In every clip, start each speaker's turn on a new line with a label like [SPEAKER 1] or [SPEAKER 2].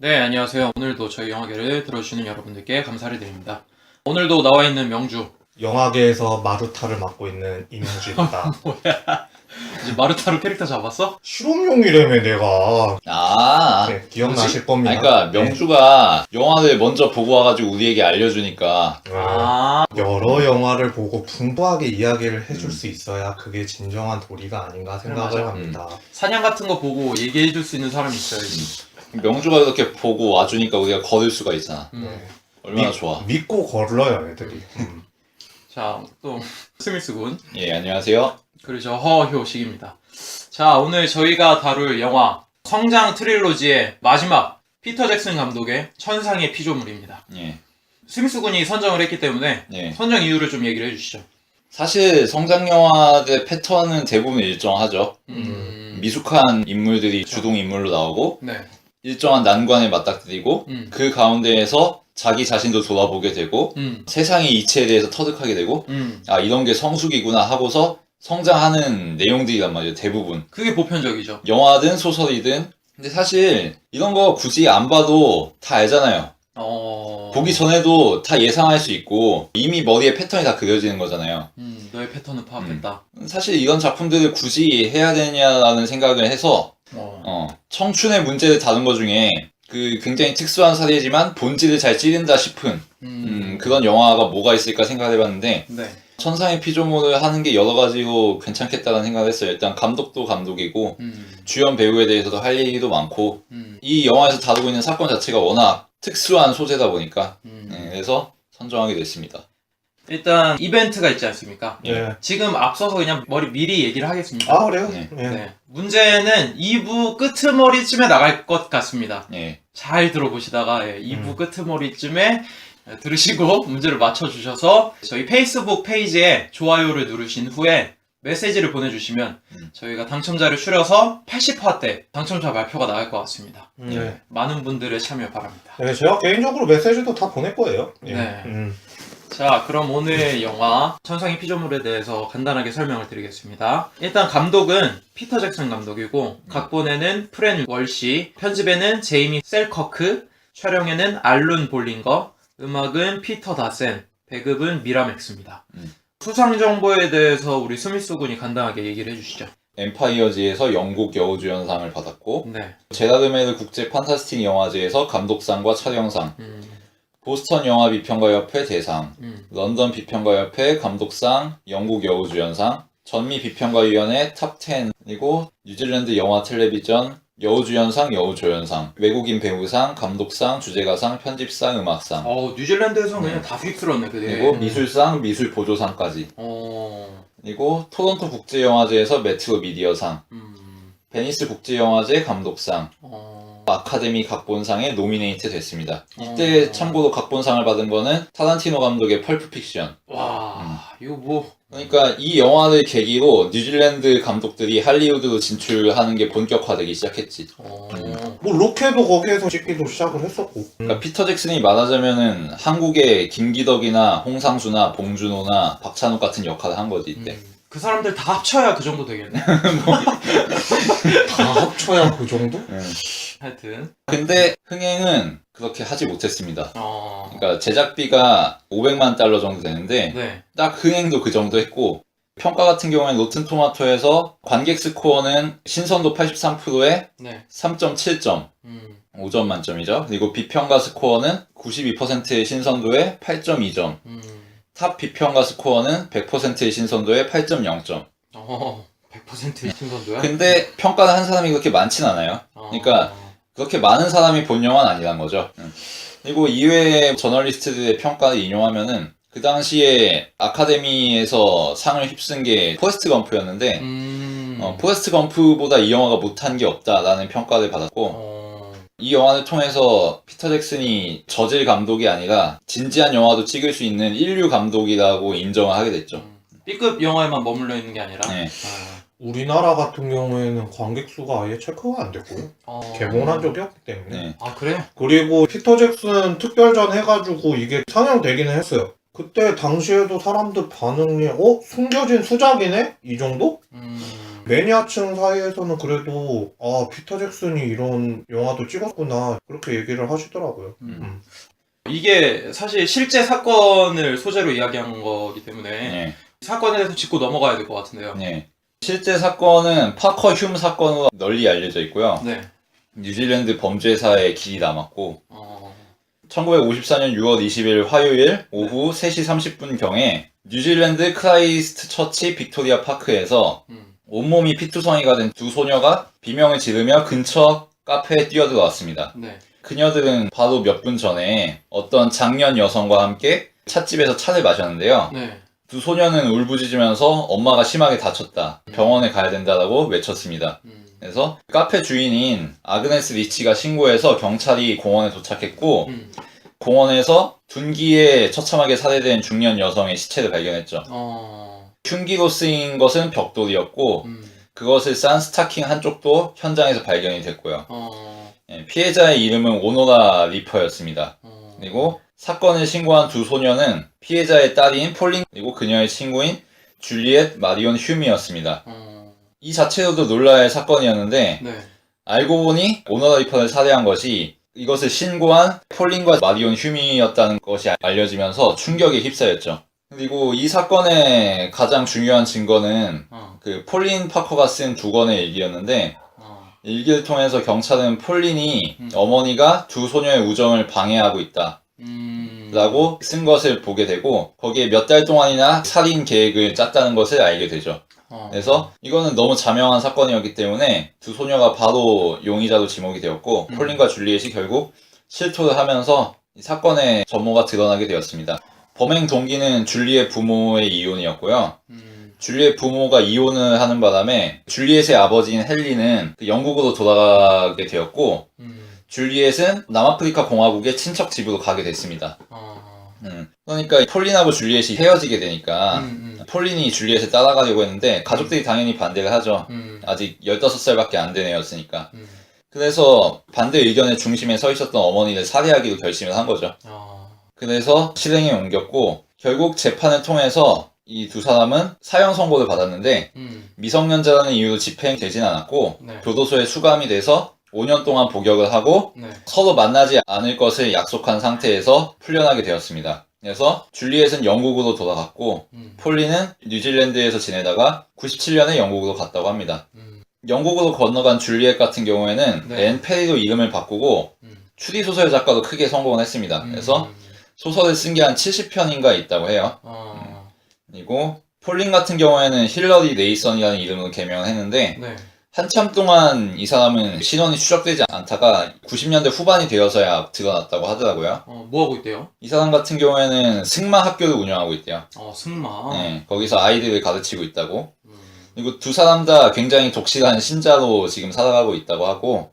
[SPEAKER 1] 네, 안녕하세요. 오늘도 저희 영화계를 들어주시는 여러분들께 감사를 드립니다. 오늘도 나와 있는 명주.
[SPEAKER 2] 영화계에서 마루타를 맡고 있는 이명주입니다.
[SPEAKER 1] 뭐야? 이제 마루타로 캐릭터 잡았어?
[SPEAKER 2] 실험용이라며 내가. 네, 기억나실 겁니다.
[SPEAKER 3] 아니, 그러니까 명주가 영화를 먼저 보고 와가지고 우리에게 알려주니까.
[SPEAKER 2] 여러 영화를 보고 풍부하게 이야기를 해줄 수 있어야 그게 진정한 도리가 아닌가 생각을 합니다.
[SPEAKER 1] 사냥 같은 거 보고 얘기해줄 수 있는 사람이 있어야지.
[SPEAKER 3] 명주가 이렇게 보고 와주니까 우리가 걸을 수가 있잖아.
[SPEAKER 2] 네.
[SPEAKER 3] 얼마나 좋아.
[SPEAKER 2] 믿고 걸러요 애들이.
[SPEAKER 1] 자, 또 스미스 군.
[SPEAKER 3] 예, 안녕하세요.
[SPEAKER 1] 그리고 저 허효식입니다. 자, 오늘 저희가 다룰 영화 성장 트릴로지의 마지막 피터 잭슨 감독의 천상의 피조물입니다.
[SPEAKER 3] 예.
[SPEAKER 1] 스미스 군이 선정을 했기 때문에
[SPEAKER 3] 예.
[SPEAKER 1] 선정 이유를 좀 얘기를 해주시죠.
[SPEAKER 3] 사실 성장 영화의 패턴은 대부분 일정하죠. 미숙한 인물들이 주동 인물로 나오고
[SPEAKER 1] 네.
[SPEAKER 3] 일정한 난관에 맞닥뜨리고 그 가운데에서 자기 자신도 돌아보게 되고 세상의 이치에 대해서 터득하게 되고 아, 이런 게 성숙이구나 하고서 성장하는 내용들이란 말이에요. 대부분
[SPEAKER 1] 그게 보편적이죠.
[SPEAKER 3] 영화든 소설이든. 근데 사실 이런 거 굳이 안 봐도 다 알잖아요. 보기 전에도 다 예상할 수 있고 이미 머리에 패턴이 다 그려지는 거잖아요.
[SPEAKER 1] 너의 패턴을 파악했다.
[SPEAKER 3] 사실 이런 작품들을 굳이 해야 되냐라는 생각을 해서 청춘의 문제를 다룬 것 중에 그 굉장히 특수한 사례지만 본질을 잘 찌른다 싶은 그런 영화가 뭐가 있을까 생각을 해봤는데
[SPEAKER 1] 네.
[SPEAKER 3] 천상의 피조물을 하는 게 여러 가지로 괜찮겠다는 생각을 했어요. 일단 감독도 감독이고 주연 배우에 대해서도 할 얘기도 많고 이 영화에서 다루고 있는 사건 자체가 워낙 특수한 소재다 보니까 그래서 선정하게 됐습니다.
[SPEAKER 1] 일단 이벤트가 있지 않습니까?
[SPEAKER 2] 네.
[SPEAKER 1] 지금 앞서서 그냥 미리 얘기를 하겠습니다.
[SPEAKER 2] 아 그래요?
[SPEAKER 3] 네.
[SPEAKER 1] 네. 문제는 2부 끄트머리쯤에 나갈 것 같습니다.
[SPEAKER 3] 예.
[SPEAKER 1] 잘 들어보시다가 2부 끄트머리쯤에 들으시고 문제를 맞춰주셔서 저희 페이스북 페이지에 좋아요를 누르신 후에 메시지를 보내주시면 저희가 당첨자를 추려서 80화 때 당첨자 발표가 나갈 것 같습니다.
[SPEAKER 2] 네.
[SPEAKER 1] 많은 분들의 참여 바랍니다.
[SPEAKER 2] 네, 제가 개인적으로 메시지도 다 보낼 거예요. 예.
[SPEAKER 1] 네. 자, 그럼 오늘의 영화 천상의 피조물에 대해서 간단하게 설명을 드리겠습니다. 일단 감독은 피터 잭슨 감독이고 각본에는 프렌 월시, 편집에는 제이미 셀커크, 촬영에는 알룬 볼링거, 음악은 피터 다센, 배급은 미라맥스입니다. 수상 정보에 대해서 우리 스미스 군이 간단하게 얘기를 해주시죠.
[SPEAKER 3] 엠파이어즈에서 영국 여우주연상을 받았고
[SPEAKER 1] 네.
[SPEAKER 3] 제라르메르 국제 판타스틱 영화제에서 감독상과 촬영상, 보스턴 영화 비평가협회 대상, 런던 비평가협회 감독상, 영국 여우주연상, 전미 비평가위원회 탑10, 그리고 뉴질랜드 영화 텔레비전 여우주연상, 여우조연상, 외국인 배우상, 감독상, 주제가상, 편집상, 음악상.
[SPEAKER 1] 뉴질랜드에서는 그냥 다 휩쓸었네,
[SPEAKER 3] 그리고 미술상, 미술보조상까지. 그리고 토론토 국제영화제에서 메트로 미디어상, 베니스 국제영화제 감독상, 아카데미 각본상에 노미네이트 됐습니다. 이때 참고로 각본상을 받은 거는 타란티노 감독의 펄프 픽션.
[SPEAKER 1] 와, 이거 뭐.
[SPEAKER 3] 그러니까 이 영화를 계기로 뉴질랜드 감독들이 할리우드로 진출하는 게 본격화되기 시작했지.
[SPEAKER 2] 뭐 로케도 거기에서 찍기도 시작을 했었고.
[SPEAKER 3] 그러니까 피터 잭슨이 말하자면은 한국의 김기덕이나 홍상수나 봉준호나 박찬욱 같은 역할을 한 거지 이때.
[SPEAKER 1] 그 사람들 다 합쳐야 그 정도 되겠네.
[SPEAKER 2] 다 합쳐야 그 정도?
[SPEAKER 1] 하여튼.
[SPEAKER 3] 근데 흥행은 그렇게 하지 못했습니다.
[SPEAKER 1] 어.
[SPEAKER 3] 그러니까 제작비가 500만 달러 정도 되는데
[SPEAKER 1] 네.
[SPEAKER 3] 딱 흥행도 그 정도 했고 평가 같은 경우에는 로튼 토마토에서 관객 스코어는 신선도 83%에
[SPEAKER 1] 네.
[SPEAKER 3] 3.7점. 5점 만점이죠. 그리고 비평가 스코어는 92%의 신선도에 8.2점. 탑 비평가 스코어는 100%의 신선도에 8.0점.
[SPEAKER 1] 100%의 신선도야?
[SPEAKER 3] 근데 평가를 한 사람이 그렇게 많진 않아요. 그러니까 그렇게 많은 사람이 본 영화는 아니란 거죠. 그리고 이외의 저널리스트들의 평가를 인용하면은 그 당시에 아카데미에서 상을 휩쓴 게 포레스트 검프였는데 포레스트 검프보다 이 영화가 못한 게 없다라는 평가를 받았고 이 영화를 통해서 피터 잭슨이 저질 감독이 아니라 진지한 영화도 찍을 수 있는 인류 감독이라고 인정을 하게 됐죠.
[SPEAKER 1] B급 영화에만 머물러 있는 게 아니라.
[SPEAKER 3] 네.
[SPEAKER 2] 우리나라 같은 경우에는 관객 수가 아예 체크가 안 됐고요. 개봉을 한 적이 없기 때문에.
[SPEAKER 3] 네.
[SPEAKER 1] 아, 그래?
[SPEAKER 2] 그리고 피터 잭슨 특별전 해가지고 이게 상영되기는 했어요. 그때 당시에도 사람들 반응이 숨겨진 수작이네? 이 정도? 매니아층 사이에서는 그래도 아 피터 잭슨이 이런 영화도 찍었구나 그렇게 얘기를 하시더라고요.
[SPEAKER 1] 이게 사실 실제 사건을 소재로 이야기한 거기 때문에
[SPEAKER 3] 네.
[SPEAKER 1] 사건에 대해서 짚고 넘어가야 될 것 같은데요.
[SPEAKER 3] 네. 실제 사건은 파커 흉 사건으로 널리 알려져 있고요.
[SPEAKER 1] 네.
[SPEAKER 3] 뉴질랜드 범죄사의 길이 남았고,
[SPEAKER 1] 어...
[SPEAKER 3] 1954년 6월 20일 화요일 오후 3시 30분경에 뉴질랜드 크라이스트 처치 빅토리아 파크에서 온몸이 피투성이가 된 두 소녀가 비명을 지르며 근처 카페에 뛰어들어왔습니다.
[SPEAKER 1] 네.
[SPEAKER 3] 그녀들은 바로 몇 분 전에 어떤 장년 여성과 함께 찻집에서 차를 마셨는데요.
[SPEAKER 1] 네.
[SPEAKER 3] 두 소녀는 울부짖으면서 엄마가 심하게 다쳤다, 병원에 가야 된다라고 외쳤습니다. 그래서 카페 주인인 아그네스 리치가 신고해서 경찰이 공원에 도착했고 공원에서 둔기에 처참하게 살해된 중년 여성의 시체를 발견했죠. 흉기로 쓰인 것은 벽돌이었고 그것을 싼 스타킹 한쪽도 현장에서 발견이 됐고요. 피해자의 이름은 오노라 리퍼였습니다. 그리고 사건을 신고한 두 소녀는 피해자의 딸인 폴린 그리고 그녀의 친구인 줄리엣 마리온 휴미였습니다. 이 자체로도 놀라야 할 사건이었는데
[SPEAKER 1] 네.
[SPEAKER 3] 알고 보니 오노라 리퍼를 살해한 것이 이것을 신고한 폴린과 마리온 휴미였다는 것이 알려지면서 충격에 휩싸였죠. 그리고 이 사건의 가장 중요한 증거는 그 폴린 파커가 쓴 두 권의 일기였는데 일기를 통해서 경찰은 폴린이 어머니가 두 소녀의 우정을 방해하고 있다 라고 쓴 것을 보게 되고 거기에 몇 달 동안이나 살인 계획을 짰다는 것을 알게 되죠. 그래서 이거는 너무 자명한 사건이었기 때문에 두 소녀가 바로 용의자로 지목이 되었고 폴린과 줄리엣이 결국 실토를 하면서 이 사건의 전모가 드러나게 되었습니다. 범행 동기는 줄리엣 부모의 이혼이었고요. 줄리엣 부모가 이혼을 하는 바람에 줄리엣의 아버지인 헨리는 영국으로 돌아가게 되었고 줄리엣은 남아프리카 공화국의 친척 집으로 가게 됐습니다. 그러니까 폴린하고 줄리엣이 헤어지게 되니까 폴린이 줄리엣을 따라가려고 했는데 가족들이 당연히 반대를 하죠. 아직 15살밖에 안 된 애였으니까. 그래서 반대 의견의 중심에 서 있었던 어머니를 살해하기로 결심을 한 거죠. 그래서 실행에 옮겼고 결국 재판을 통해서 이 두 사람은 사형 선고를 받았는데 미성년자라는 이유로 집행되진 않았고
[SPEAKER 1] 네.
[SPEAKER 3] 교도소에 수감이 돼서 5년 동안 복역을 하고
[SPEAKER 1] 네.
[SPEAKER 3] 서로 만나지 않을 것을 약속한 상태에서 풀려나게 되었습니다. 그래서 줄리엣은 영국으로 돌아갔고 폴리는 뉴질랜드에서 지내다가 97년에 영국으로 갔다고 합니다. 영국으로 건너간 줄리엣 같은 경우에는
[SPEAKER 1] 네.
[SPEAKER 3] 앤 페리로 이름을 바꾸고 추리소설 작가도 크게 성공을 했습니다. 그래서 소설을 쓴 게 한 70편인가 있다고 해요. 그리고 폴린 같은 경우에는 힐러리 네이선이라는 이름으로 개명을 했는데
[SPEAKER 1] 네.
[SPEAKER 3] 한참 동안 이 사람은 신원이 추적되지 않다가 90년대 후반이 되어서야 드러났다고 하더라고요.
[SPEAKER 1] 뭐 하고 있대요?
[SPEAKER 3] 이 사람 같은 경우에는 승마 학교를 운영하고 있대요.
[SPEAKER 1] 승마.
[SPEAKER 3] 네, 거기서 아이들을 가르치고 있다고. 그리고 두 사람 다 굉장히 독실한 신자로 지금 살아가고 있다고 하고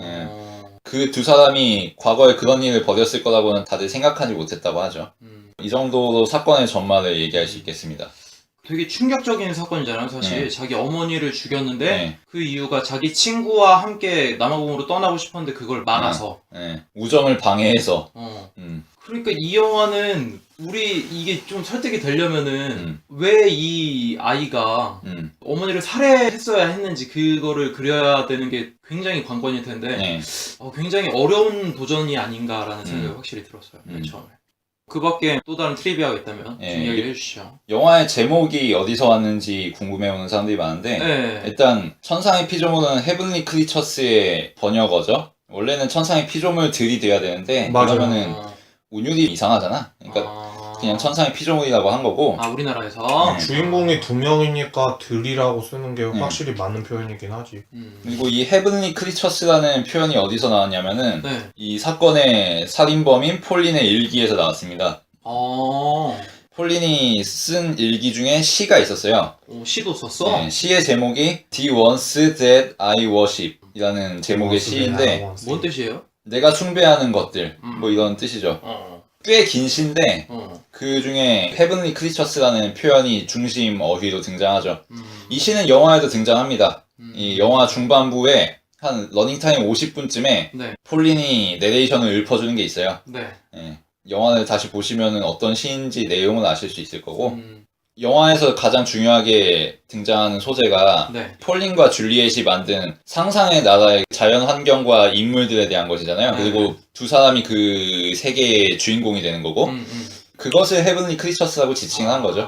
[SPEAKER 3] 그 두 사람이 과거에 그런 일을 벌였을 거라고는 다들 생각하지 못했다고 하죠. 이 정도로 사건의 전말을 얘기할 수 있겠습니다.
[SPEAKER 1] 되게 충격적인 사건이잖아요, 사실.
[SPEAKER 3] 네.
[SPEAKER 1] 자기 어머니를 죽였는데
[SPEAKER 3] 네.
[SPEAKER 1] 그 이유가 자기 친구와 함께 남아공으로 떠나고 싶었는데 그걸 막아서.
[SPEAKER 3] 네, 우정을 방해해서.
[SPEAKER 1] 그러니까 이 영화는 이게 좀 설득이 되려면은 왜 이 아이가 어머니를 살해했어야 했는지 그거를 그려야 되는 게 굉장히 관건일 텐데
[SPEAKER 3] 네.
[SPEAKER 1] 굉장히 어려운 도전이 아닌가라는 생각이 확실히 들었어요, 맨 처음에. 그 밖에 또 다른 트리비아가 있다면 좀 이야기를 해주시죠.
[SPEAKER 3] 영화의 제목이 어디서 왔는지 궁금해오는 사람들이 많은데
[SPEAKER 1] 네.
[SPEAKER 3] 일단 천상의 피조물은 헤븐리 크리처스의 번역어죠. 원래는 천상의 피조물들이 돼야 되는데
[SPEAKER 2] 맞아요.
[SPEAKER 3] 그러면은 운율이 이상하잖아. 그러니까 그냥 천상의 피조물이라고 한 거고.
[SPEAKER 1] 우리나라에서?
[SPEAKER 2] 주인공이 두 명이니까 들이라고 쓰는 게 확실히 맞는 표현이긴 하지.
[SPEAKER 3] 그리고 이 헤븐리 크리처스라는 표현이 어디서 나왔냐면은
[SPEAKER 1] 네.
[SPEAKER 3] 이 사건의 살인범인 폴린의 일기에서 나왔습니다. 폴린이 쓴 일기 중에 시가 있었어요.
[SPEAKER 1] 시도 썼어?
[SPEAKER 3] 네, 시의 제목이 The Ones That I Worship 이라는 제목의 시인데
[SPEAKER 1] 뭔 뜻이에요?
[SPEAKER 3] 내가 숭배하는 것들 뭐 이런 뜻이죠. 꽤 긴 시인데 그 중에 헤븐리 크리처스라는 표현이 중심 어휘로 등장하죠. 이 시는 영화에도 등장합니다. 이 영화 중반부에 한 러닝타임 50분쯤에
[SPEAKER 1] 네.
[SPEAKER 3] 폴린이 내레이션을 읊어주는 게 있어요.
[SPEAKER 1] 네.
[SPEAKER 3] 예, 영화를 다시 보시면 어떤 시인지 내용을 아실 수 있을 거고 영화에서 가장 중요하게 등장하는 소재가
[SPEAKER 1] 네.
[SPEAKER 3] 폴린과 줄리엣이 만든 상상의 나라의 자연 환경과 인물들에 대한 것이잖아요.
[SPEAKER 1] 네.
[SPEAKER 3] 그리고 두 사람이 그 세계의 주인공이 되는 거고 그것을 헤븐리 크리처스라고 지칭한 거죠.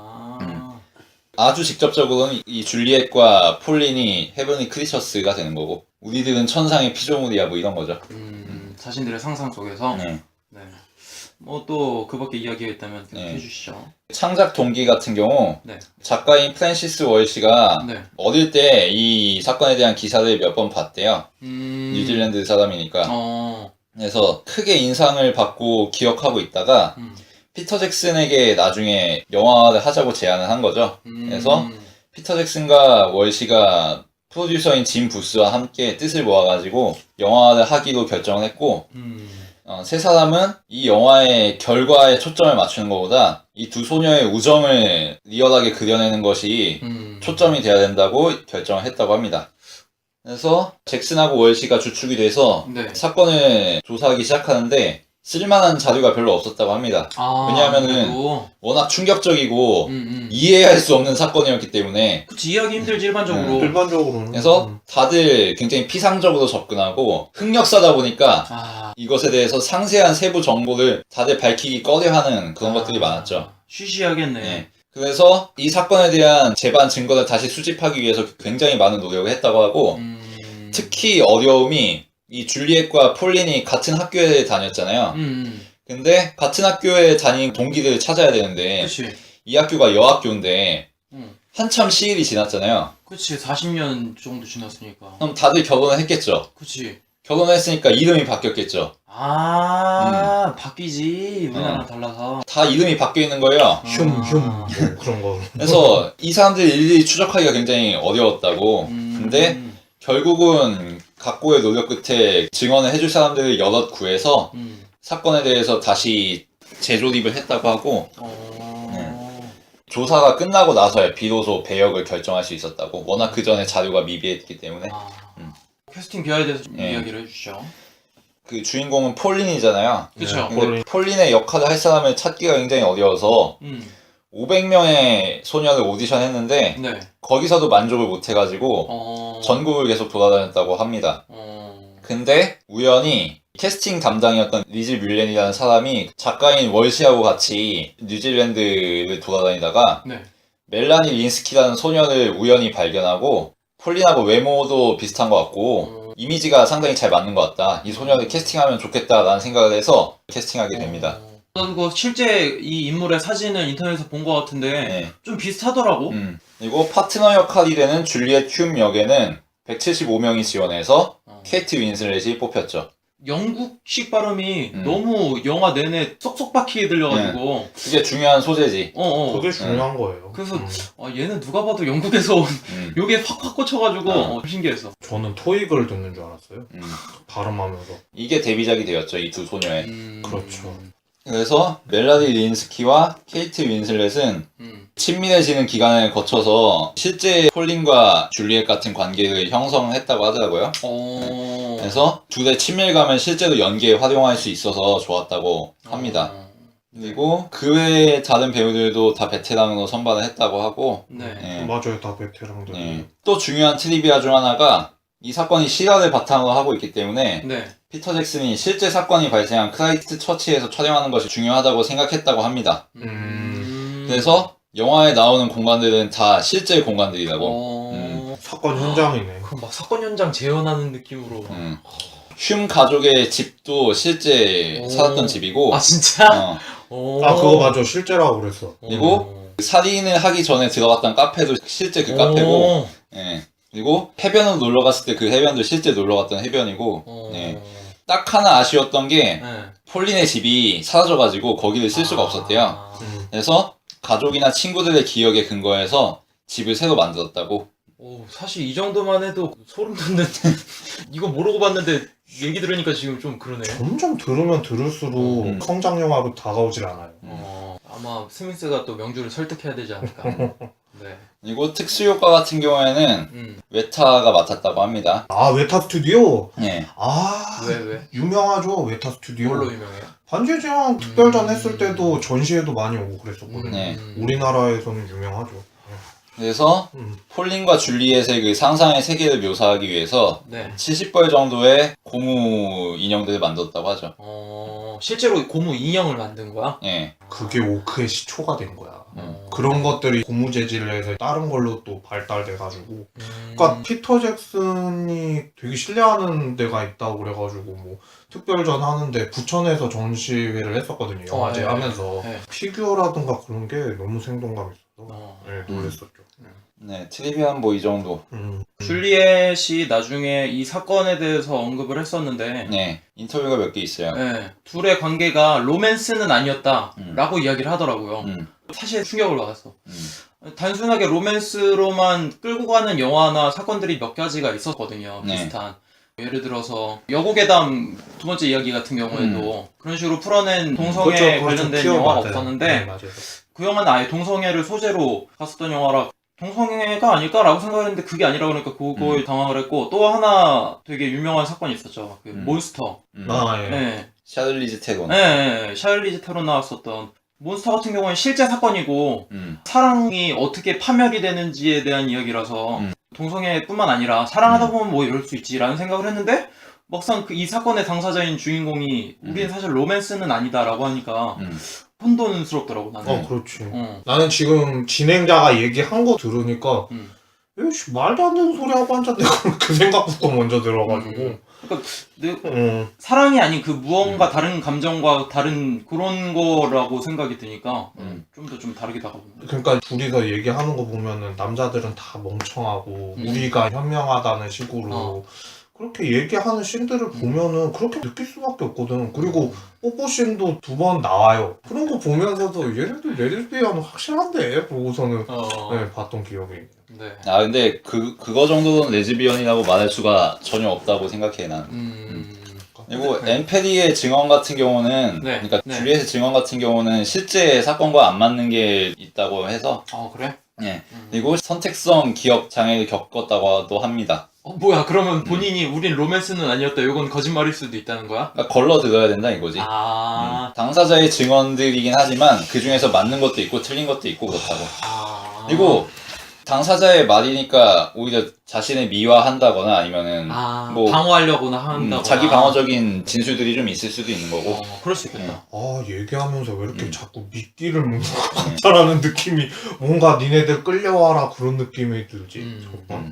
[SPEAKER 3] 아주 직접적으로는 이 줄리엣과 폴린이 헤븐리 크리처스가 되는 거고 우리들은 천상의 피조물이야 뭐 이런 거죠.
[SPEAKER 1] 자신들의 상상 속에서.
[SPEAKER 3] 네.
[SPEAKER 1] 네. 뭐 또 그밖에 이야기가 있다면
[SPEAKER 3] 네.
[SPEAKER 1] 해주시죠.
[SPEAKER 3] 창작 동기 같은 경우
[SPEAKER 1] 네.
[SPEAKER 3] 작가인 프랜시스 월시가
[SPEAKER 1] 네.
[SPEAKER 3] 어릴 때 이 사건에 대한 기사를 몇 번 봤대요. 뉴질랜드 사람이니까. 그래서 크게 인상을 받고 기억하고 있다가 피터 잭슨에게 나중에 영화를 하자고 제안을 한 거죠. 그래서 피터 잭슨과 월시가 프로듀서인 짐 부스와 함께 뜻을 모아가지고 영화를 하기로 결정을 했고 세 사람은 이 영화의 결과에 초점을 맞추는 것보다 이 두 소녀의 우정을 리얼하게 그려내는 것이 초점이 돼야 된다고 결정을 했다고 합니다. 그래서 잭슨하고 월시가 주축이 돼서
[SPEAKER 1] 네.
[SPEAKER 3] 사건을 조사하기 시작하는데 쓸만한 자료가 별로 없었다고 합니다. 왜냐하면은
[SPEAKER 1] 그래도.
[SPEAKER 3] 워낙 충격적이고 이해할 수 없는 사건이었기 때문에
[SPEAKER 1] 그치, 이해하기 힘들지 일반적으로.
[SPEAKER 2] 일반적으로는.
[SPEAKER 3] 그래서 다들 굉장히 피상적으로 접근하고 흑역사다 보니까 이것에 대해서 상세한 세부 정보를 다들 밝히기 꺼려하는 그런 것들이 많았죠.
[SPEAKER 1] 쉬쉬하겠네.
[SPEAKER 3] 네. 그래서 이 사건에 대한 재반 증거를 다시 수집하기 위해서 굉장히 많은 노력을 했다고 하고 특히 어려움이 이 줄리엣과 폴린이 같은 학교에 다녔잖아요. 근데 같은 학교에 다닌 동기들을 찾아야 되는데
[SPEAKER 1] 그치.
[SPEAKER 3] 이 학교가 여학교인데 한참 시일이 지났잖아요.
[SPEAKER 1] 그치, 40년 정도 지났으니까.
[SPEAKER 3] 그럼 다들 결혼을 했겠죠.
[SPEAKER 1] 그치.
[SPEAKER 3] 결혼을 했으니까 이름이 바뀌었겠죠.
[SPEAKER 1] 바뀌지. 우리나라랑 달라서.
[SPEAKER 3] 다 이름이 바뀌어 있는 거예요.
[SPEAKER 2] 뭐 그런 거.
[SPEAKER 3] 그래서 이 사람들 일일이 추적하기가 굉장히 어려웠다고. 근데 결국은 각고의 노력 끝에 증언을 해줄 사람들을 여럿 구해서 사건에 대해서 다시 재조립을 했다고 하고 조사가 끝나고 나서야 비로소 배역을 결정할 수 있었다고. 워낙 그 전에 자료가 미비했기 때문에.
[SPEAKER 1] 캐스팅 비하에 대해서 좀
[SPEAKER 3] 네.
[SPEAKER 1] 이야기를 해주시죠.
[SPEAKER 3] 그 주인공은 폴린이잖아요.
[SPEAKER 1] 그쵸.
[SPEAKER 3] 근데 폴린의 역할을 할 사람을 찾기가 굉장히 어려워서 500명의 소녀를 오디션 했는데
[SPEAKER 1] 네.
[SPEAKER 3] 거기서도 만족을 못 해가지고 전국을 계속 돌아다녔다고 합니다. 근데 우연히 캐스팅 담당이었던 리즈 뮬렌이라는 사람이 작가인 월시하고 같이 뉴질랜드를 돌아다니다가
[SPEAKER 1] 네.
[SPEAKER 3] 멜라니 린스키라는 소녀를 우연히 발견하고 폴린하고 외모도 비슷한 것 같고 이미지가 상당히 잘 맞는 것 같다. 이 소녀를 캐스팅하면 좋겠다라는 생각을 해서 캐스팅하게 됩니다.
[SPEAKER 1] 나도 실제 이 인물의 사진을 인터넷에서 본 것 같은데
[SPEAKER 3] 네.
[SPEAKER 1] 좀 비슷하더라고.
[SPEAKER 3] 그리고 파트너 역할이 되는 줄리엣 흉 역에는 175명이 지원해서 케이트 윈슬렛이 뽑혔죠.
[SPEAKER 1] 영국식 발음이 너무 영화 내내 쏙쏙 박히게 들려가지고.
[SPEAKER 3] 그게 중요한 소재지.
[SPEAKER 2] 그게 중요한 거예요.
[SPEAKER 1] 그래서 얘는 누가 봐도 영국에서 온 요게 확 꽂혀가지고 신기했어.
[SPEAKER 2] 저는 토익을 듣는 줄 알았어요. 발음하면서.
[SPEAKER 3] 이게 데뷔작이 되었죠, 이 두 소녀의.
[SPEAKER 2] 그렇죠.
[SPEAKER 3] 그래서 멜라니 린스키와 케이트 윈슬렛은 친밀해지는 기간을 거쳐서 실제 폴린과 줄리엣 같은 관계를 형성했다고 하더라고요. 그래서 둘의 친밀감을 실제로 연기에 활용할 수 있어서 좋았다고 합니다. 그리고 그 외에 다른 배우들도 다 베테랑으로 선발을 했다고 하고.
[SPEAKER 1] 네.
[SPEAKER 2] 맞아요, 다 베테랑들.
[SPEAKER 3] 네. 또 중요한 트리비아 중 하나가 이 사건이 실화를 바탕으로 하고 있기 때문에
[SPEAKER 1] 네.
[SPEAKER 3] 피터 잭슨이 실제 사건이 발생한 크라이스트 처치에서 촬영하는 것이 중요하다고 생각했다고 합니다. 그래서 영화에 나오는 공간들은 다 실제 공간들이라고.
[SPEAKER 2] 사건 현장이네.
[SPEAKER 1] 그럼 막 사건 현장 재현하는 느낌으로.
[SPEAKER 3] 흉 가족의 집도 실제 살았던 집이고.
[SPEAKER 1] 진짜?
[SPEAKER 2] 그거 맞아. 실제라고 그랬어.
[SPEAKER 3] 그리고 살인을 하기 전에 들어갔던 카페도 실제 그 카페고. 예. 그리고 해변으로 놀러 갔을 때 그 해변도 실제 놀러 갔던 해변이고. 예. 딱 하나 아쉬웠던 게 폴린의 집이 사라져가지고 거기를 쓸 수가 없었대요. 그래서 가족이나 친구들의 기억에 근거해서 집을 새로 만들었다고.
[SPEAKER 1] 사실 이 정도만 해도 소름 돋는. 이거 모르고 봤는데 얘기 들으니까 지금 좀 그러네요.
[SPEAKER 2] 점점 들으면 들을수록 성장 영화로 다가오질 않아요.
[SPEAKER 1] 아마 스미스가 또 명주를 설득해야 되지 않을까. 네.
[SPEAKER 3] 그리고 특수효과 같은 경우에는 웨타가 맡았다고 합니다.
[SPEAKER 2] 아, 웨타 스튜디오?
[SPEAKER 3] 예.
[SPEAKER 2] 아,
[SPEAKER 1] 왜?
[SPEAKER 2] 유명하죠, 웨타 스튜디오.
[SPEAKER 1] 뭘로 유명해요?
[SPEAKER 2] 반지의 제왕 특별전 했을 때도 전시회도 많이 오고 그랬었거든요.
[SPEAKER 3] 네.
[SPEAKER 2] 우리나라에서는 유명하죠.
[SPEAKER 3] 그래서 폴린과 줄리엣의 그 상상의 세계를 묘사하기 위해서
[SPEAKER 1] 네.
[SPEAKER 3] 70벌 정도의 고무 인형들을 만들었다고 하죠.
[SPEAKER 1] 실제로 고무 인형을 만든 거야?
[SPEAKER 3] 예.
[SPEAKER 2] 그게 오크의 시초가 된 거야. 그런 것들이 고무 재질을 해서 다른 걸로 또 발달돼가지고. 그러니까 피터 잭슨이 되게 신뢰하는 데가 있다고 그래가지고 뭐 특별전 하는데 부천에서 전시회를 했었거든요. 영화제
[SPEAKER 1] 네.
[SPEAKER 2] 하면서
[SPEAKER 1] 네.
[SPEAKER 2] 피규어라든가 그런 게 너무 생동감 있어서 네, 놀랬었죠.
[SPEAKER 3] 네, 트리비안 뭐 이 정도.
[SPEAKER 1] 줄리엣이 나중에 이 사건에 대해서 언급을 했었는데
[SPEAKER 3] 네, 인터뷰가 몇 개 있어요.
[SPEAKER 1] 네, 둘의 관계가 로맨스는 아니었다라고 이야기를 하더라고요. 사실 충격을 받았어. 단순하게 로맨스로만 끌고 가는 영화나 사건들이 몇 가지가 있었거든요.
[SPEAKER 3] 네.
[SPEAKER 1] 비슷한. 예를 들어서 여고괴담 두 번째 이야기 같은 경우에도 그런 식으로 풀어낸 동성애 관련된 영화가 없었는데
[SPEAKER 2] 네, 맞아요.
[SPEAKER 1] 그 영화는 아예 동성애를 소재로 갔었던 영화라 동성애가 아닐까라고 생각했는데 그게 아니라 그러니까 그거에 당황을 했고 또 하나 되게 유명한 사건이 있었죠. 그 몬스터.
[SPEAKER 2] 아, 예.
[SPEAKER 1] 네.
[SPEAKER 3] 샤들리즈 테론.
[SPEAKER 1] 네. 샤를리즈 테론 나왔었던 몬스터 같은 경우는 실제 사건이고 사랑이 어떻게 파멸이 되는지에 대한 이야기라서 동성애뿐만 아니라 사랑하다 보면 뭐 이럴 수 있지라는 생각을 했는데 막상 이 사건의 당사자인 주인공이 우리는 사실 로맨스는 아니다라고 하니까 혼돈스럽더라고 나는.
[SPEAKER 2] 그렇지. 나는 지금 진행자가 얘기한 거 들으니까 에이씨, 말도 안 되는 소리 하고 앉았네. 그 생각부터 먼저 들어가지고.
[SPEAKER 1] 그러니까 사랑이 아닌 그 무언가 다른 감정과 다른 그런 거라고 생각이 드니까 좀 더 좀 다르게 다가보는.
[SPEAKER 2] 그러니까 둘이서 얘기하는 거 보면은 남자들은 다 멍청하고 우리가 현명하다는 식으로 그렇게 얘기하는 씬들을 보면은 그렇게 느낄 수밖에 없거든. 그리고 뽀뽀 씬도 2번 나와요. 그런 거 보면서도 얘네들 레즈비언은 확실한데 보고서는 네, 봤던 기억이 있네요.
[SPEAKER 1] 네.
[SPEAKER 3] 아 근데 그거 정도는 레즈비언이라고 말할 수가 전혀 없다고 생각해 난. 그리고 엠페리의 증언 같은 경우는 그러니까 줄리엣의 증언 같은 경우는 실제 사건과 안 맞는 게 있다고 해서.
[SPEAKER 1] 그래?
[SPEAKER 3] 예. 그리고 선택성 기억 장애를 겪었다고도 합니다.
[SPEAKER 1] 뭐야 그러면 본인이 우린 로맨스는 아니었다 이건 거짓말일 수도 있다는 거야?
[SPEAKER 3] 그러니까 걸러 들어야 된다 이거지. 당사자의 증언들이긴 하지만 그 중에서 맞는 것도 있고 틀린 것도 있고 그렇다고. 그리고 당사자의 말이니까 오히려 자신을 미화한다거나 아니면은 뭐
[SPEAKER 1] 방어하려고나 한다거나
[SPEAKER 3] 자기 방어적인 진술들이 좀 있을 수도 있는 거고.
[SPEAKER 1] 그럴 수 있겠다.
[SPEAKER 2] 얘기하면서 왜 이렇게 자꾸 미끼를 먹는 것 같다라는 느낌이 뭔가 니네들 끌려와라 그런 느낌이 들지.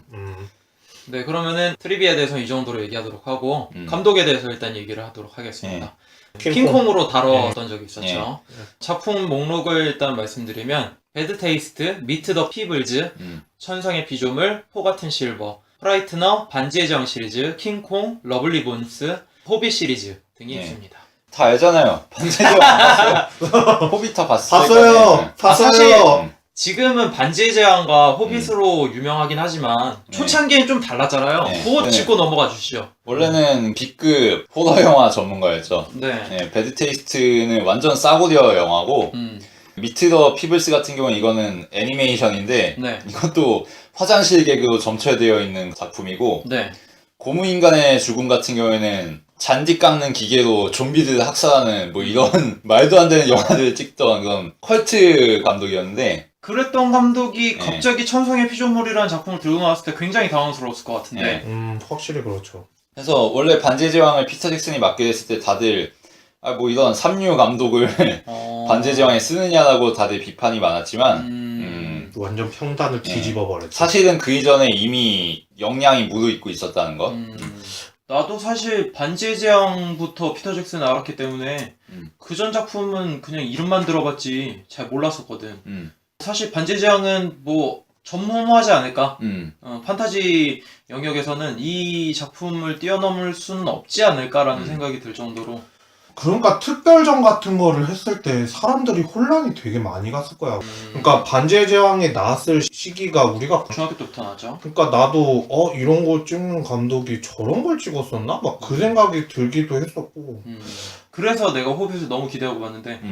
[SPEAKER 1] 네, 그러면은 트리비아에 대해서 이 정도로 얘기하도록 하고 감독에 대해서 일단 얘기를 하도록 하겠습니다. 킹콩으로 다뤘던 적이 있었죠. 작품 목록을 일단 말씀드리면 배드 테이스트, 미트 더 피블즈, 천상의 피조물, 포 같은 실버, 프라이트너, 반지의 제왕 시리즈, 킹콩, 러블리 본스, 호빗 시리즈 등이 있습니다.
[SPEAKER 3] 다 알잖아요. 반지의 제왕 봤어요? 호빗 다
[SPEAKER 2] 봤어요.
[SPEAKER 1] 사실 지금은 반지의 제왕과 호빗으로 유명하긴 하지만 초창기엔 좀 달랐잖아요. 그거 짚고 넘어가 주시죠.
[SPEAKER 3] 원래는 B급 호러 영화 전문가였죠.
[SPEAKER 1] 네.
[SPEAKER 3] 배드 테이스트는 완전 싸구려 영화고 미트 더 피블스 같은 경우는 이거는 애니메이션인데 이것도 화장실 개그로 점철되어 있는 작품이고 고무인간의 죽음 같은 경우에는 잔디 깎는 기계로 좀비들을 학살하는 뭐 이런 말도 안 되는 영화들을 찍던 그런 컬트 감독이었는데
[SPEAKER 1] 그랬던 감독이 갑자기 천상의 피조물이라는 작품을 들고 나왔을 때 굉장히 당황스러웠을 것 같은데
[SPEAKER 2] 확실히 그렇죠.
[SPEAKER 3] 그래서 원래 반지의 제왕을 피터 잭슨이 맡게 됐을 때 다들 뭐 이런 삼류 감독을 반지의 제왕에 쓰느냐라고 다들 비판이 많았지만
[SPEAKER 2] 완전 평단을 뒤집어 버렸죠.
[SPEAKER 3] 사실은 그 이전에 이미 역량이 무르익고 있었다는 거.
[SPEAKER 1] 나도 사실 반지의 제왕부터 피터 잭슨을 알았기 때문에 그 전 작품은 그냥 이름만 들어봤지 잘 몰랐었거든. 사실 반지의 제왕은 뭐 전무하지 않을까? 판타지 영역에서는 이 작품을 뛰어넘을 수는 없지 않을까라는 생각이 들 정도로.
[SPEAKER 2] 그러니까 특별전 같은 거를 했을 때 사람들이 혼란이 되게 많이 갔을 거야. 그러니까 반지의 제왕이 나왔을 시기가 우리가
[SPEAKER 1] 중학교 때부터 나왔죠.
[SPEAKER 2] 그러니까 나도 이런 걸 찍는 감독이 저런 걸 찍었었나? 막 그 생각이 들기도 했었고.
[SPEAKER 1] 그래서 내가 호빗을 너무 기대하고 봤는데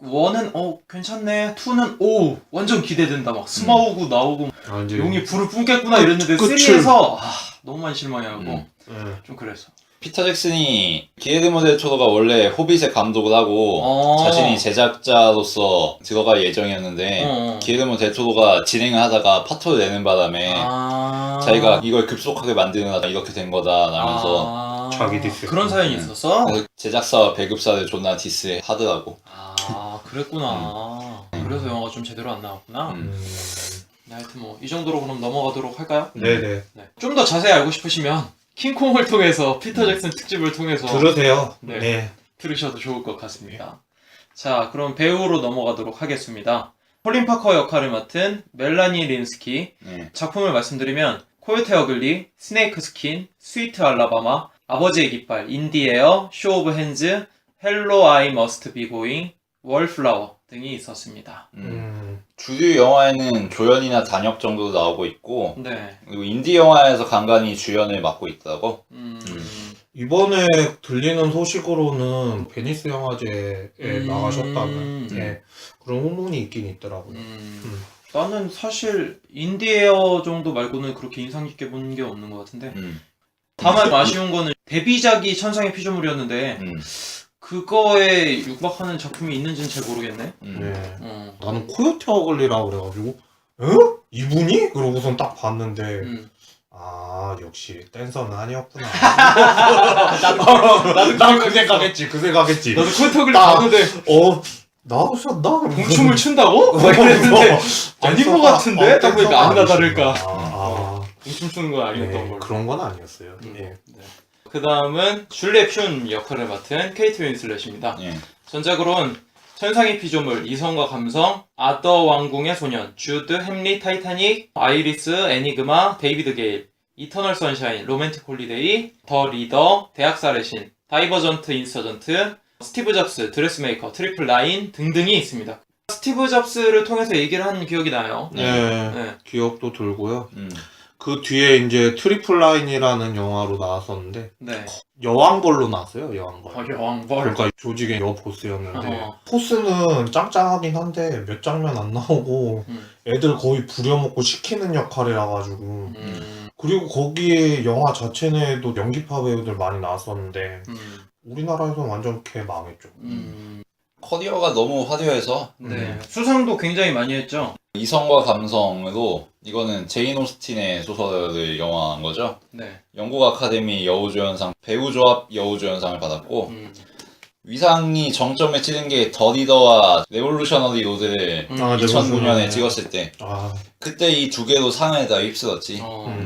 [SPEAKER 1] 1은 괜찮네, 2는 오 완전 기대된다, 막 스마우구 나오고
[SPEAKER 2] 아, 이제
[SPEAKER 1] 용이 불을 뿜겠구나 이랬는데
[SPEAKER 2] 끝을.
[SPEAKER 1] 3에서 너무 많이 실망해하고
[SPEAKER 2] 네.
[SPEAKER 1] 좀 그랬어.
[SPEAKER 3] 피터 잭슨이 기레르모 델 토로가 원래 호빗의 감독을 하고 자신이 제작자로서 들어갈 예정이었는데 기레르모 델 토로가 진행을 하다가 파토를 내는 바람에 자기가 이걸 급속하게 만드느라 이렇게 된 거다라면서
[SPEAKER 2] 자기 디스.
[SPEAKER 1] 그런 사연이 있었어?
[SPEAKER 3] 그래서 제작사와 배급사를 존나 디스하더라고.
[SPEAKER 1] 그랬구나. 그래서 영화가 좀 제대로 안 나왔구나. 네, 하여튼 뭐 이 정도로 그럼 넘어가도록 할까요?
[SPEAKER 2] 네네.
[SPEAKER 1] 네. 좀 더 자세히 알고 싶으시면 킹콩을 통해서 피터 잭슨 특집을 통해서
[SPEAKER 2] 들으세요.
[SPEAKER 1] 네.
[SPEAKER 2] 네.
[SPEAKER 1] 들으셔도 좋을 것 같습니다. 자, 그럼 배우로 넘어가도록 하겠습니다. 콜린 파커 역할을 맡은 멜라니 린스키.
[SPEAKER 3] 네.
[SPEAKER 1] 작품을 말씀드리면 코요테 어글리, 스네이크 스킨, 스위트 알라바마, 아버지의 깃발, 인디에어, 쇼 오브 핸즈, 헬로 아이 머스트 비 고잉, 월플라워 등이 있었습니다.
[SPEAKER 3] 주류 영화에는 조연이나 단역 정도 나오고 있고
[SPEAKER 1] 네.
[SPEAKER 3] 그리고 인디 영화에서 간간히 주연을 맡고 있더라고.
[SPEAKER 2] 이번에 들리는 소식으로는 베니스 영화제에 나가셨다는 그런 후문이 있긴 있더라고요.
[SPEAKER 1] 나는 사실 인디에어 정도 말고는 그렇게 인상 깊게 본 게 없는 것 같은데 다만 아쉬운 거는 데뷔작이 천상의 피조물이었는데 그거에 육박하는 작품이 있는지는 잘 모르겠네.
[SPEAKER 2] 네. 나는 코요테 어글리라고 그래가지고 이분이? 그러고선 딱 봤는데 아 역시 댄서는 아니었구나. 나도 그 생각했지.
[SPEAKER 1] 나도 코요테어글리
[SPEAKER 2] 딱,
[SPEAKER 1] 봤는데
[SPEAKER 2] 나오셨나?
[SPEAKER 1] 공춤을 춘다고? 막 이랬는데 아닌 것 같은데? 딱 보니까 아니나 다를까 공춤 추는 건 아니었던 걸로.
[SPEAKER 2] 그런 건 아니었어요.
[SPEAKER 1] 네. 그 다음은 줄리엣 튠 역할을 맡은 케이트 윈슬렛입니다.
[SPEAKER 3] 예.
[SPEAKER 1] 전작으로는 천상의 피조물, 이성과 감성, 아더 왕궁의 소년, 주드, 햄릿, 타이타닉, 아이리스, 애니그마, 데이비드 게일, 이터널 선샤인, 로맨틱 홀리데이, 더 리더, 대학살의 신, 다이버전트 인서전트, 스티브 잡스, 드레스메이커, 트리플 나인 등등이 있습니다. 스티브 잡스를 통해서 얘기를 한 기억이 나요.
[SPEAKER 2] 네. 기억도 들고요. 그 뒤에 이제 트리플 라인이라는 영화로 나왔었는데
[SPEAKER 1] 네.
[SPEAKER 2] 여왕벌로 나왔어요. 여왕벌.
[SPEAKER 1] 여왕벌.
[SPEAKER 2] 그러니까 조직의 여보스였는데
[SPEAKER 1] 어허.
[SPEAKER 2] 포스는 짱짱하긴 한데 몇 장면 안 나오고 애들 거의 부려먹고 시키는 역할이라 가지고 그리고 거기에 영화 자체 내에도 연기파 배우들 많이 나왔었는데 우리나라에서는 완전 개 망했죠.
[SPEAKER 3] 커리어가 너무 화려해서
[SPEAKER 1] 네. 수상도 굉장히 많이 했죠.
[SPEAKER 3] 이성과 감성으로 이거는 제인 오스틴의 소설을 영화한 거죠.
[SPEAKER 1] 네.
[SPEAKER 3] 영국 아카데미 여우조연상 배우조합 여우조연상을 받았고 위상이 정점에 치른 게 더 리더와 레볼루셔너리 로드를 2009년에 찍었을 때 그때 이 두 개로 상을 다 휩쓸었지.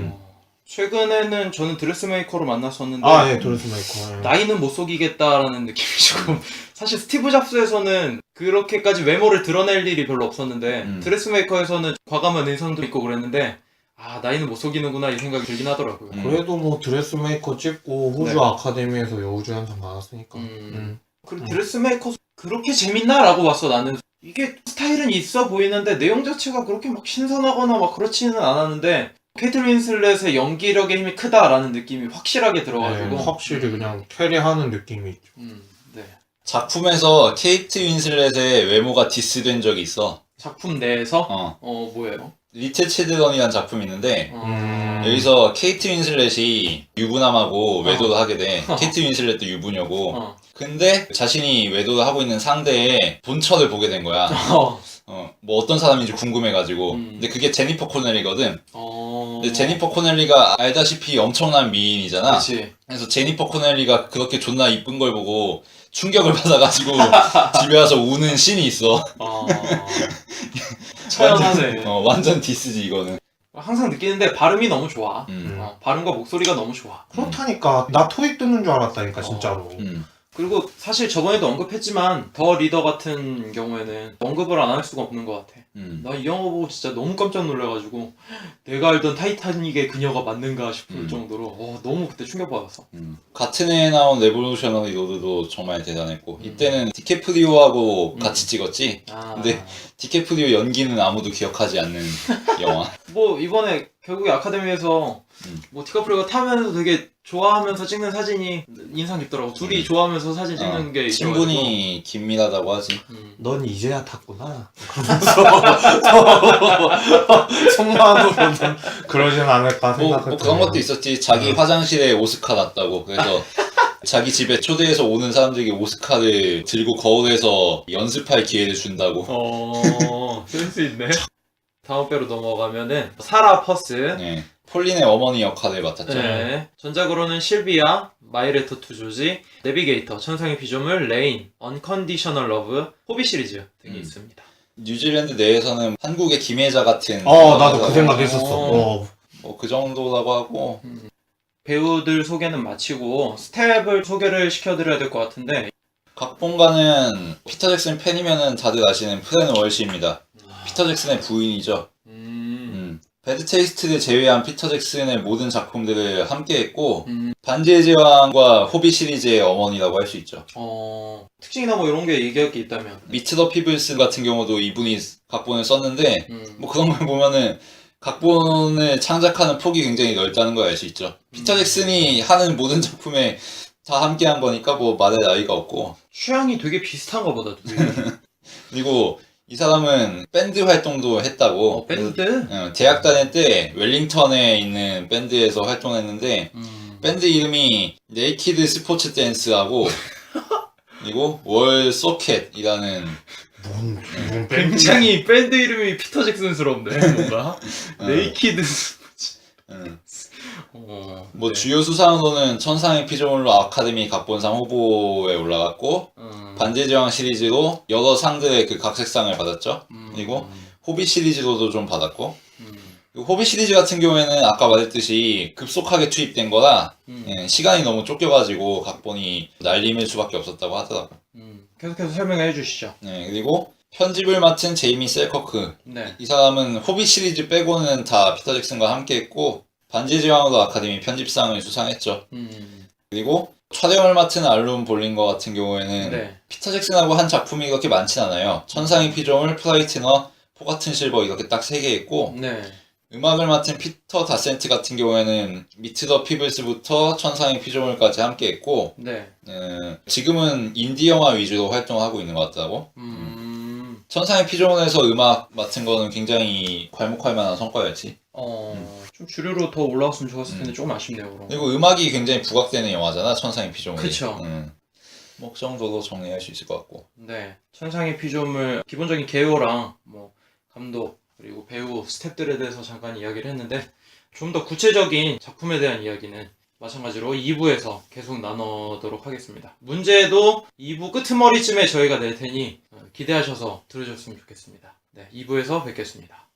[SPEAKER 1] 최근에는 저는 드레스메이커로 만났었는데
[SPEAKER 2] 예, 드레스메이커.
[SPEAKER 1] 나이는 못 속이겠다라는 느낌이 조금 사실 스티브 잡스에서는 그렇게까지 외모를 드러낼 일이 별로 없었는데 드레스메이커에서는 과감한 인상도 있고 그랬는데 나이는 못 속이는구나 이 생각이 들긴 하더라고요.
[SPEAKER 2] 그래도 뭐 드레스메이커 찍고 호주 아카데미에서 여우조연상 받았으니까.
[SPEAKER 1] 그리고 드레스메이커 그렇게 재밌나라고 봤어. 나는 이게 스타일은 있어 보이는데 내용 자체가 그렇게 막 신선하거나 막 그렇지는 않았는데 케이트 윈슬렛의 연기력의 힘이 크다라는 느낌이 확실하게 들어가지고
[SPEAKER 2] 확실히 그냥 캐리하는 느낌이 있죠.
[SPEAKER 1] 네.
[SPEAKER 3] 작품에서 케이트 윈슬렛의 외모가 디스된 적이 있어.
[SPEAKER 1] 작품 내에서? 뭐예요?
[SPEAKER 3] 리틀 칠드런이라는 작품이 있는데 여기서 케이트 윈슬렛이 유부남하고 외도를 하게 돼. 케이트 윈슬렛도 유부녀고 근데 자신이 외도를 하고 있는 상대의 본처를 보게 된 거야. 뭐 어떤 사람인지 궁금해가지고 근데 그게 제니퍼 코넬리거든. 근데 제니퍼 코넬리가 알다시피 엄청난 미인이잖아.
[SPEAKER 1] 그치.
[SPEAKER 3] 그래서 제니퍼 코넬리가 그렇게 존나 이쁜 걸 보고 충격을 받아가지고 집에 와서 우는 씬이 있어.
[SPEAKER 1] 처연하네.
[SPEAKER 3] 완전 디스지 이거는.
[SPEAKER 1] 항상 느끼는데 발음이 너무 좋아. 발음과 목소리가 너무 좋아.
[SPEAKER 2] 그렇다니까 나 토익 듣는 줄 알았다니까 진짜로.
[SPEAKER 1] 그리고 사실 저번에도 언급했지만 더 리더 같은 경우에는 언급을 안 할 수가 없는 것 같아. 나 이 영화 보고 진짜 너무 깜짝 놀라가지고 내가 알던 타이타닉의 그녀가 맞는가 싶을 정도로 너무 그때 충격받았어.
[SPEAKER 3] 같은 해에 나온 레볼루셔너리 로드도 정말 대단했고 이때는 디캐프리오하고 같이 찍었지. 근데 디캐프리오 연기는 아무도 기억하지 않는 영화.
[SPEAKER 1] 뭐 이번에 결국에 아카데미에서 뭐 디카프리오가 타면서 되게 좋아하면서 찍는 사진이 인상 깊더라고. 둘이 좋아하면서 사진 찍는 게
[SPEAKER 3] 친분이 긴밀하다고 하지.
[SPEAKER 2] 넌 이제야 탔구나. 그러면서 속마음으로는 그러진 않을까
[SPEAKER 3] 뭐
[SPEAKER 2] 생각했죠.
[SPEAKER 3] 그런 것도 있었지. 자기 화장실에 오스카 놨다고. 그래서 자기 집에 초대해서 오는 사람들에게 오스카를 들고 거울에서 연습할 기회를 준다고.
[SPEAKER 1] 센스 있네. 다음 배로 넘어가면은 사라 퍼스.
[SPEAKER 3] 네. 폴린의 어머니 역할을 맡았죠.
[SPEAKER 1] 네. 전작으로는 실비아, 마이레터 투 조지, 내비게이터, 천상의 피조물, 레인, 언컨디셔널 러브, 호비 시리즈 등이 있습니다.
[SPEAKER 3] 뉴질랜드 내에서는 한국의 김혜자 같은.
[SPEAKER 2] 나도 그 생각했었어.
[SPEAKER 3] 뭐 그 정도라고 하고.
[SPEAKER 1] 배우들 소개는 마치고 스텝을 소개를 시켜드려야 될 것 같은데,
[SPEAKER 3] 각본가는 피터 잭슨 팬이면은 다들 아시는 프렌 월시입니다. 피터 잭슨의 부인이죠. 배드 테이스트를 제외한 피터 잭슨의 모든 작품들을 함께했고 반지의 제왕과 호비 시리즈의 어머니라고 할 수 있죠.
[SPEAKER 1] 특징이나 뭐 이런 게 얘기할 게 있다면.
[SPEAKER 3] 미트 더 피블스 같은 경우도 이분이 각본을 썼는데 뭐 그런 걸 보면은 각본을 창작하는 폭이 굉장히 넓다는 걸 알 수 있죠. 피터 잭슨이 하는 모든 작품에 다 함께한 거니까 뭐 말할 나위가 없고.
[SPEAKER 1] 취향이 되게 비슷한가 보다, 둘이.
[SPEAKER 3] 그리고 이 사람은 밴드 활동도 했다고.
[SPEAKER 1] 밴드?
[SPEAKER 3] 대학 다닐 때 웰링턴에 있는 밴드에서 활동했는데 밴드 이름이 네이키드 스포츠 댄스하고 그리고 월 소켓이라는
[SPEAKER 2] 뭔
[SPEAKER 1] 굉장히 밴드 이름이 피터 잭슨스럽네, 뭔가. 네이키드 스포츠.
[SPEAKER 3] 뭐
[SPEAKER 1] 네.
[SPEAKER 3] 주요 수상으로는 천상의 피조물로 아카데미 각본상 후보에 올라갔고 반지의 제왕 시리즈로 여러 상들의 그 각색상을 받았죠. 그리고 호빗 시리즈로도 좀 받았고 호빗 시리즈 같은 경우에는 아까 말했듯이 급속하게 투입된 거라 시간이 너무 쫓겨가지고 각본이 날림일 수밖에 없었다고 하더라고.
[SPEAKER 1] 계속해서 설명해 주시죠.
[SPEAKER 3] 네, 그리고 편집을 맡은 제이미 셀커크.
[SPEAKER 1] 네.
[SPEAKER 3] 이 사람은 호빗 시리즈 빼고는 다 피터 잭슨과 함께했고 반지의 제왕으로 아카데미 편집상을 수상했죠. 그리고 촬영을 맡은 알론 볼링거 같은 경우에는
[SPEAKER 1] 네.
[SPEAKER 3] 피터 잭슨하고 한 작품이 그렇게 많진 않아요. 천상의 피조물, 프라이트너, 포같은 실버 이렇게 딱 3개 있고
[SPEAKER 1] 네.
[SPEAKER 3] 음악을 맡은 피터 다센트 같은 경우에는 미트 더 피블스부터 천상의 피조물까지 함께 했고
[SPEAKER 1] 네.
[SPEAKER 3] 지금은 인디 영화 위주로 활동하고 있는 것 같더라고. 천상의 피조물에서 음악 맡은 거는 굉장히 괄목할 만한 성과였지.
[SPEAKER 1] 좀 주류로 더 올라왔으면 좋았을 텐데 조금 아쉽네요, 그럼.
[SPEAKER 3] 그리고 음악이 굉장히 부각되는 영화잖아, 천상의 피조물이.
[SPEAKER 1] 그쵸.
[SPEAKER 3] 뭐 그 정도로 정리할 수 있을 것 같고.
[SPEAKER 1] 네. 천상의 피조물 기본적인 개요랑 뭐 감독 그리고 배우 스태프들에 대해서 잠깐 이야기를 했는데 좀 더 구체적인 작품에 대한 이야기는 마찬가지로 2부에서 계속 나누도록 하겠습니다. 문제도 2부 끄트머리쯤에 저희가 낼 테니 기대하셔서 들으셨으면 좋겠습니다. 네, 2부에서 뵙겠습니다.